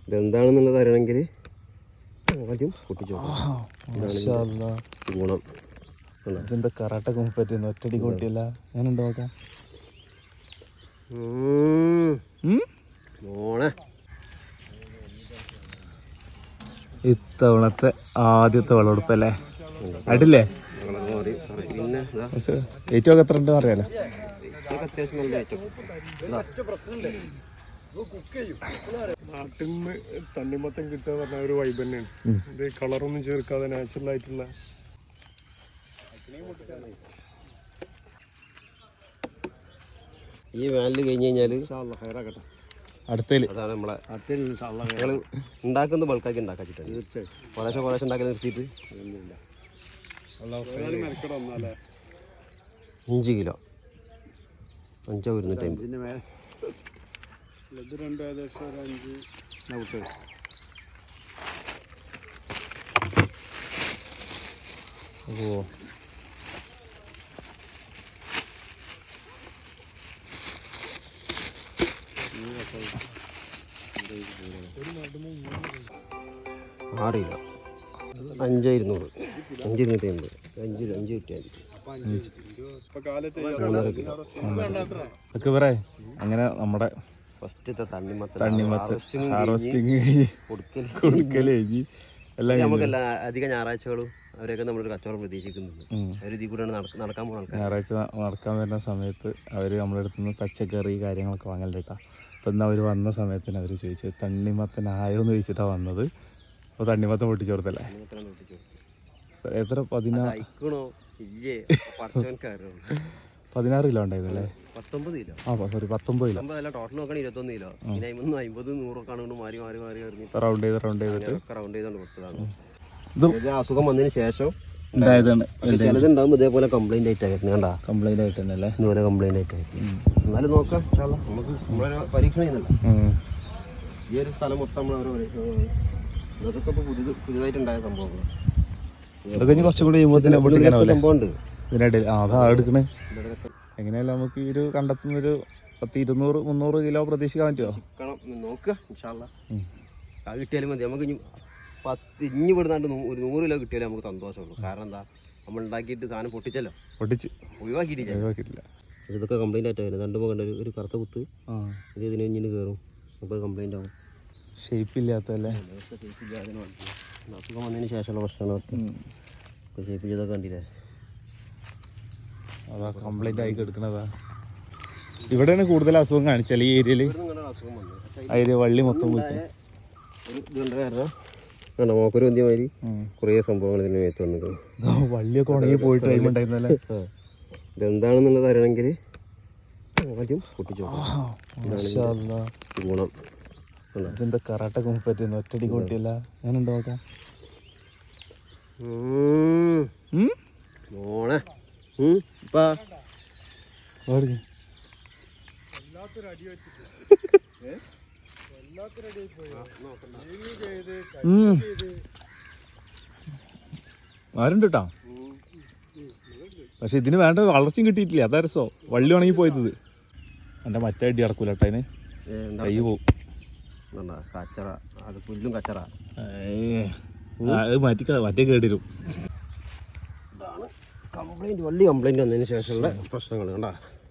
ഇതെന്താണെന്നുള്ളത് അറിയണമെങ്കിൽ ആദ്യം പൊട്ടിച്ചു ഗുണം. ഇതെന്താ കറാട്ടൊക്കെ പറ്റുന്നു, ഒറ്റടി കൂട്ടിയല്ല. ഞാനുണ്ടോ നോക്കാം. ഇത്തവണത്തെ ആദ്യത്തെ വിളവെടുപ്പല്ലേ? അടില്ലേ? ഏറ്റവും ഒക്കെ എത്ര ഉണ്ടെന്ന് അറിയാലോ. നാട്ടിൽ നിന്ന് തണ്ണിമത്തം കിട്ടുക പറഞ്ഞ ഒരു വൈബ് തന്നെയാണ്. ഇത് കളറൊന്നും ചേർക്കാതെ നാച്ചുറൽ ആയിട്ടുള്ള. ഈ വേനൽ കഴിഞ്ഞ് കഴിഞ്ഞാൽ അടുത്തേല് അതാണ് നമ്മളെ ഞങ്ങൾ ഉണ്ടാക്കുന്നത് ബൾക്കാക്കി ഉണ്ടാക്കിച്ചിട്ടാണ്. തീർച്ചയായും കുറേശ്ശെ ഉണ്ടാക്കി നിർത്തിയിട്ട് 5 കിലോ 5,250. ഓ ആറ് കിലോ 5,200 5,250 5 കിട്ടിയാൽ 3.5 കിലോ. ഒക്കെ പറ. അങ്ങനെ നമ്മുടെ ഫസ്റ്റത്തെ തണ്ണിമത്തൻ ഹാർവസ്റ്റിങ് കഴിഞ്ഞ് കൊടുക്കൽ കഴിഞ്ഞ് എല്ലാം നമുക്കെല്ലാം അധിക ഞായറാഴ്ചകളും അവരെയൊക്കെ നമ്മളൊരു കച്ചവടം പ്രതീക്ഷിക്കുന്നുണ്ട്. അവർ ഇതിൽ കൂടെയാണ് നടക്കാൻ പോകുന്നത്. ഞായറാഴ്ച നടക്കാൻ വരുന്ന സമയത്ത് അവർ നമ്മുടെ അടുത്ത് നിന്ന് പച്ചക്കറി കാര്യങ്ങളൊക്കെ വാങ്ങലിട്ടാ. അപ്പം ഇന്ന് അവർ വന്ന സമയത്തിന് അവർ ചോദിച്ചത് തണ്ണിമത്തനായോ എന്ന് ചോദിച്ചിട്ടാണ് വന്നത്. അപ്പോൾ തണ്ണിമത്തൻ പൊട്ടിച്ചു കൊടുത്തല്ലേ? എത്ര 16 കിലോ ഉണ്ടായിരുന്നല്ലേ? 19 കിലോ. ആ സോറി 19 കിലോ. ടോട്ടൽ നോക്കണം 21 കിലോ. 50 100 ഒക്കെ ആണ് മാറി റൗണ്ട് ചെയ്തിട്ട് ചെയ്തോണ്ട് കൊടുത്തതാണ്. ഇത് അസുഖം വന്നതിന് ശേഷം ഉണ്ടായതാണ്. ചിലതുണ്ടാകുമ്പോൾ ഇതേപോലെ കംപ്ലൈന്റ് ആയിട്ടായിരുന്നു. കണ്ടാ കംപ്ലൈന്റ് ആയിട്ടല്ലേ? ഇതുപോലെ കംപ്ലൈന്റ് ആയിട്ടായിരുന്നു. എന്നാലും നോക്കാം, നമുക്ക് നമ്മളെ പരീക്ഷണം ചെയ്യുന്നില്ല. ഈ ഒരു സ്ഥലം മൊത്തം നമ്മൾ ഇതൊക്കെ ഇപ്പോൾ പുതിയതായിട്ടുണ്ടായ സംഭവങ്ങളാണ്. ഇതൊക്കെ കുറച്ചും കൂടി സംഭവമുണ്ട് ഇതിനിടയിൽ. അതാ എടുക്കണേ. എങ്ങനെയല്ല നമുക്ക് ഈ ഒരു കണ്ടെത്തുന്നൊരു 200-300 കിലോ പ്രതീക്ഷിക്കാൻ പറ്റുമോ? നോക്കുക. കിട്ടിയാലും മതി. നമുക്ക് ഇനി വിടുന്നാണ്ട് ഒരു 100 കിലോ കിട്ടിയാലേ നമുക്ക് സന്തോഷമുള്ളൂ. കാരണം എന്താ, നമ്മൾ ഉണ്ടാക്കിയിട്ട് സാധനം പൊട്ടിച്ചല്ലോ, ഒഴിവാക്കിയിട്ടില്ല. ഇതൊക്കെ കംപ്ലൈന്റ് ആയിട്ടായിരുന്നു. രണ്ടുമ്പോൾ കണ്ട ഒരു കറുത്ത കുത്ത് ഇത് ഇതിന് ഇഞ്ഞിന് കയറും. അപ്പോൾ കംപ്ലൈന്റ് ആവും. ഷേപ്പ് ഇല്ലാത്തല്ലേ? അസുഖം വന്നതിന് ശേഷമുള്ള പ്രശ്നമാണ്. ഷേപ്പ് ചെയ്തൊക്കെ കണ്ടില്ലേ? അതാ കംപ്ലൈന്റ് ആയി എടുക്കണതാ. ഇവിടെയാണ് കൂടുതൽ അസുഖം കാണിച്ചാൽ ഈ ഏരിയയിൽ. അതിൽ വള്ളി മൊത്തം മോക്കൊരു വന്ധ്യമാതിരി കുറേ സംഭവങ്ങൾ ഇതിന് മേത്ത് വന്നിട്ടുണ്ട്. വള്ളിയൊക്കെ ഉണങ്ങി പോയിട്ട് കഴിയുമ്പോണ്ടായിരുന്നല്ലേ? ഇതെന്താണെന്നുള്ളത് അറിയണമെങ്കിൽ ആദ്യം പൊട്ടിച്ചു ഗുണം. ഇതെന്താ കറാട്ടൊക്കെ പറ്റുന്നു, ഒറ്റടി കൂട്ടിയല്ല. ഞാനുണ്ടോ നോക്കാം. ആരുണ്ട് കേട്ടോ. പക്ഷെ ഇതിന് വേണ്ട വളർച്ചയും കിട്ടിയിട്ടില്ല. അതാ രസോ. വള്ളി ഉണങ്ങി പോയത്. എൻ്റെ മറ്റേ അടി നടക്കൂല കേട്ടോ. അതിന് കൈ പോവും. പുല്ലും കച്ചറ മറ്റേ കേടിരും. വള്ളി കംപ്ലൈന്റ് വന്നതിന് ശേഷമുള്ള പ്രശ്നങ്ങൾ കണ്ടാ.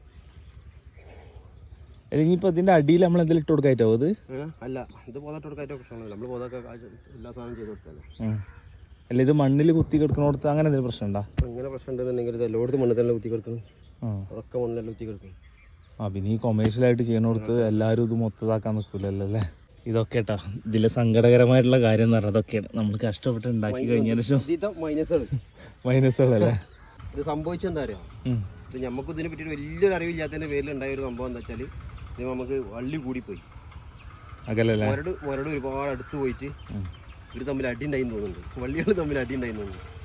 അല്ലെങ്കിൽ ഇപ്പൊ ഇതിന്റെ അടിയിൽ നമ്മൾ എന്തെങ്കിലും ഇട്ട് കൊടുക്കായിട്ടോ? അത് അല്ല, ഇത് പോതാട്ട് കൊടുക്കായിട്ടോ പ്രശ്നമല്ല. നമ്മൾ പോതൊക്കെ എല്ലാ സാധനം ചെയ്ത് കൊടുത്താലേ. അല്ല, ഇത് മണ്ണിൽ കുത്തി കിടക്കണോടത്ത് അങ്ങനെ എന്തെങ്കിലും പ്രശ്നം ഉണ്ടോ? അങ്ങനെ പ്രശ്നം ഉണ്ടെന്നുണ്ടെങ്കിൽ ഇത് എല്ലായിടത്തും മണ്ണിൽ തന്നെ കുത്തി കിടക്കണം. ഉറക്ക മണ്ണിലെല്ലാം കുത്തി കിടക്കണം. പിന്നെ ഈ കൊമേഴ്ഷ്യലായിട്ട് ചെയ്യണോടത്ത് എല്ലാവരും ഇത് മൊത്തതാക്കാൻ നിൽക്കില്ലല്ലോ അല്ലേ? ഇതൊക്കെ കേട്ടോ ഇതിലെ സങ്കടകരമായിട്ടുള്ള കാര്യം എന്ന് പറഞ്ഞാൽ അതൊക്കെയാണ്. നമ്മൾ കഷ്ടപ്പെട്ട് ഉണ്ടാക്കി കഴിഞ്ഞതിന് ശേഷം മൈനസുകളല്ലേ ഇത് സംഭവിച്ചെന്താ അറിയാം. ഇത് നമുക്ക് ഇതിനെ പറ്റിയിട്ട് വലിയൊരു അറിവില്ലാത്തതിന്റെ പേരിൽ ഉണ്ടായ ഒരു സംഭവം എന്താ വെച്ചാൽ, ഇത് നമുക്ക് വള്ളി കൂടിപ്പോയി. മുരട് ഒരുപാട് അടുത്ത് പോയിട്ട് ഇവർ തമ്മിൽ അടി ഉണ്ടായി തോന്നുന്നുണ്ട്. വള്ളികൾ തമ്മിൽ അടി ഉണ്ടായി തോന്നുന്നുണ്ട്.